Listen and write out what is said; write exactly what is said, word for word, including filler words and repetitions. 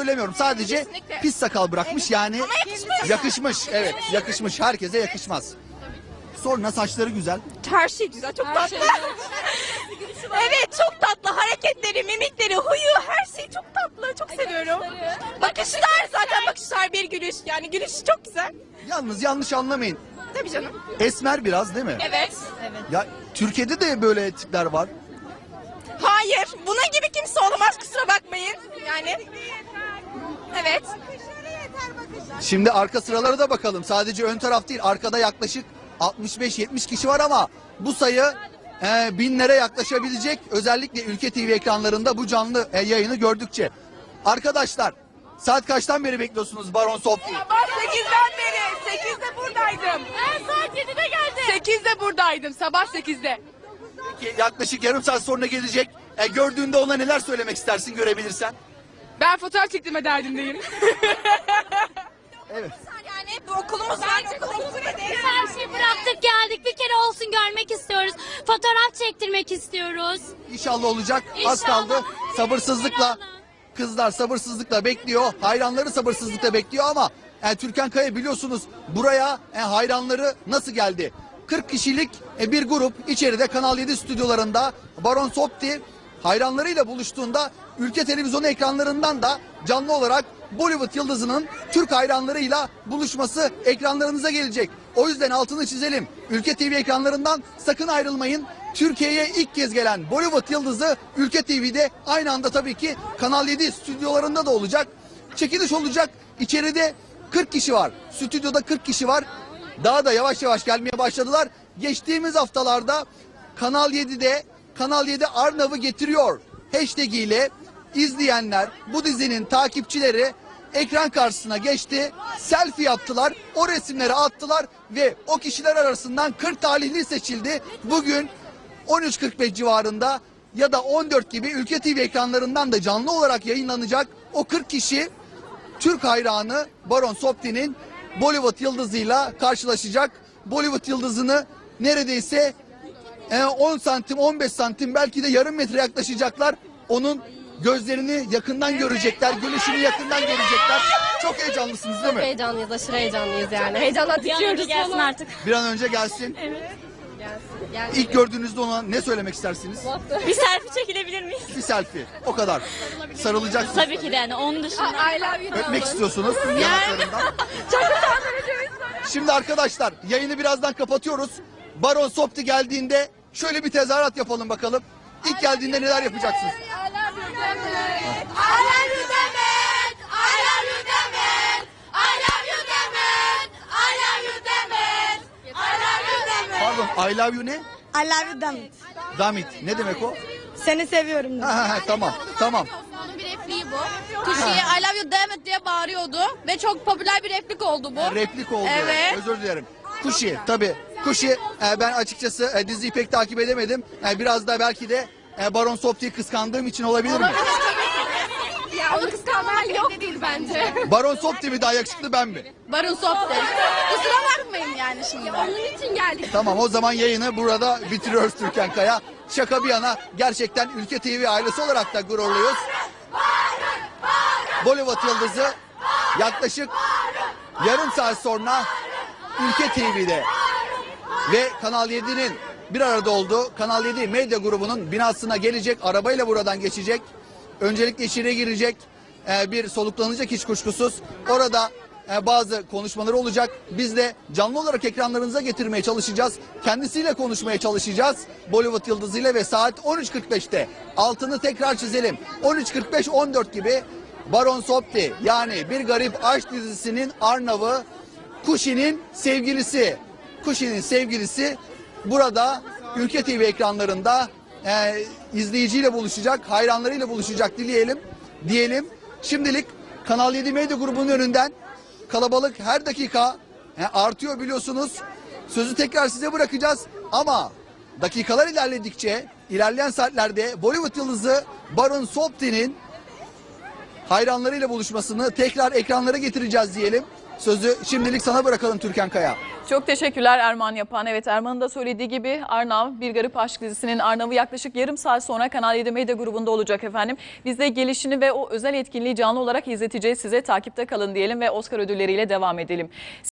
söylemiyorum. Sadece Kesinlikle. pis sakal bırakmış yani. Ama yakışmış. Yakışmış. Evet, yakışmış. Herkese yakışmaz. Sonra saçları güzel. Her şey güzel, çok tatlı. Evet, çok tatlı. Hareketleri, mimikleri, huyu, her şey çok tatlı. Çok seviyorum. Bakışlar zaten bakışlar bir gülüş. Yani gülüşü çok güzel. Yalnız yanlış anlamayın. Tabii canım. Esmer biraz değil mi? Evet. Ya Türkiye'de de böyle tipler var. Hayır, bunun gibi kimse olamaz, kusura bakmayın. Yani. Evet. Şimdi arka sıralara da bakalım. Sadece ön taraf değil, arkada yaklaşık altmış beş yetmiş kişi var ama bu sayı e, binlere yaklaşabilecek. Özellikle Ülke T V ekranlarında bu canlı e, yayını gördükçe. Arkadaşlar, saat kaçtan beri bekliyorsunuz Baron Sopti'yi? Sabah sekizden beri. sekizde buradaydım. Ben saat yedide geldim. sekizde buradaydım, sabah sekizde. Peki, yaklaşık yarım saat sonra gelecek. E, gördüğünde ona neler söylemek istersin görebilirsen? Ben fotoğraf çektirme derdindeyim. Evet. Yani bu okulumuz var, okulumuzu Biz her şeyi bıraktık geldik. Bir kere olsun görmek istiyoruz. Fotoğraf çektirmek istiyoruz. İnşallah olacak. Az İnşallah. kaldı. Sabırsızlıkla kızlar sabırsızlıkla bekliyor. Hayranları sabırsızlıkla bekliyor ama e, Türkan Kaya biliyorsunuz buraya e, hayranları nasıl geldi? kırk kişilik e, bir grup içeride Kanal yedi stüdyolarında Baron Sopti hayranlarıyla buluştuğunda ülke televizyonu ekranlarından da canlı olarak Bollywood yıldızının Türk hayranlarıyla buluşması ekranlarınıza gelecek. O yüzden altını çizelim. Ülke T V ekranlarından sakın ayrılmayın. Türkiye'ye ilk kez gelen Bollywood yıldızı Ülke T V'de aynı anda tabii ki Kanal yedi stüdyolarında da olacak. Çekiliş olacak. İçeride kırk kişi var. Stüdyoda kırk kişi var. Daha da yavaş yavaş gelmeye başladılar. Geçtiğimiz haftalarda Kanal yedide Kanal yedi Arnav'ı getiriyor hashtag ile izleyenler, bu dizinin takipçileri ekran karşısına geçti, selfie yaptılar, o resimleri attılar ve o kişiler arasından kırk talihli seçildi. Bugün on üç kırk beş civarında ya da on dört gibi Ülke T V ekranlarından da canlı olarak yayınlanacak o kırk kişi Türk hayranı Baron Sopti'nin Bollywood yıldızıyla karşılaşacak. Bollywood yıldızını neredeyse on santim on beş santim belki de yarım metre yaklaşacaklar. Onun gözlerini yakından görecekler, gülüşünü yakından görecekler. Çok heyecanlısınız değil mi? Heyecanlıyız, aşırı heyecanlıyız yani. Heyecandan titriyoruz gelsin artık. Bir an önce gelsin. İlk gördüğünüzde ona ne söylemek istersiniz? Bir selfie çekilebilir miyiz? Bir selfie. O kadar. Sarılacaksınız. Tabii ki de yani onun dışında. I love you. Öpmek istiyorsunuz yanaklarından. Şimdi arkadaşlar yayını birazdan kapatıyoruz. Baron Sopti geldiğinde şöyle bir tezahürat yapalım bakalım. İlk geldiğinde neler yapacaksınız? I love you Demet. I love you Demet. I love you Demet. I love you Demet. I love you Demet. I love you Demet. Pardon, I love you ne? I love you Damit. Damit. Ne demek o? Seni seviyorum. Ha, ha, ha, tamam, tamam. Onun bir repliği bu. Kuşi'ye I love you damn it diye bağırıyordu ve çok popüler bir replik oldu bu. Replik oldu. Evet. Özür dilerim. Kuşi tabii. Kuşi e, ben açıkçası e, diziyi pek takip edemedim. E, biraz da belki de e, Baron Sopti'yi kıskandığım için olabilir mi? Ya onu kıskanmak yok değil bence. Baron Sopti mi daha yakışıklı ben mi? Barın Sop'te. Kusura bakmayın yani şimdi. Onun için geldik. Tamam o zaman yayını burada bitiriyoruz Türkan Kaya. Şaka bir yana gerçekten Ülke T V ailesi olarak da gururluyuz. Bollywood yıldızı yaklaşık yarım saat sonra Ülke T V'de ve Kanal yedi'nin bir arada olduğu Kanal yedi medya grubunun binasına gelecek, arabayla buradan geçecek. Öncelikle içeriye girecek, e, bir soluklanacak hiç kuşkusuz. Orada e, bazı konuşmaları olacak. Biz de canlı olarak ekranlarınıza getirmeye çalışacağız. Kendisiyle konuşmaya çalışacağız. Bollywood yıldızıyla ve saat on üç kırk beşte altını tekrar çizelim. on üç kırk beş on dört gibi Baron Sopti yani Bir Garip Aşk dizisinin Arnav'ı, Kuşi'nin sevgilisi. Kuşi'nin sevgilisi burada Ülke T V ekranlarında e, izleyiciyle buluşacak, hayranlarıyla buluşacak dileyelim, diyelim. Şimdilik Kanal yedi medya grubunun önünden kalabalık her dakika e, artıyor biliyorsunuz. Sözü tekrar size bırakacağız ama dakikalar ilerledikçe ilerleyen saatlerde Bollywood yıldızı Baron Sopti'nin hayranlarıyla buluşmasını tekrar ekranlara getireceğiz diyelim. Sözü şimdilik sana bırakalım Türkan Kaya. Çok teşekkürler Erman Yapan. Evet, Erman'ın da söylediği gibi Arnav, Bir Garip Aşk dizisinin Arnav'ı yaklaşık yarım saat sonra Kanal yedi Medya grubunda olacak efendim. Biz de gelişini ve o özel etkinliği canlı olarak izleteceğiz size. Takipte kalın diyelim ve Oscar ödülleriyle devam edelim.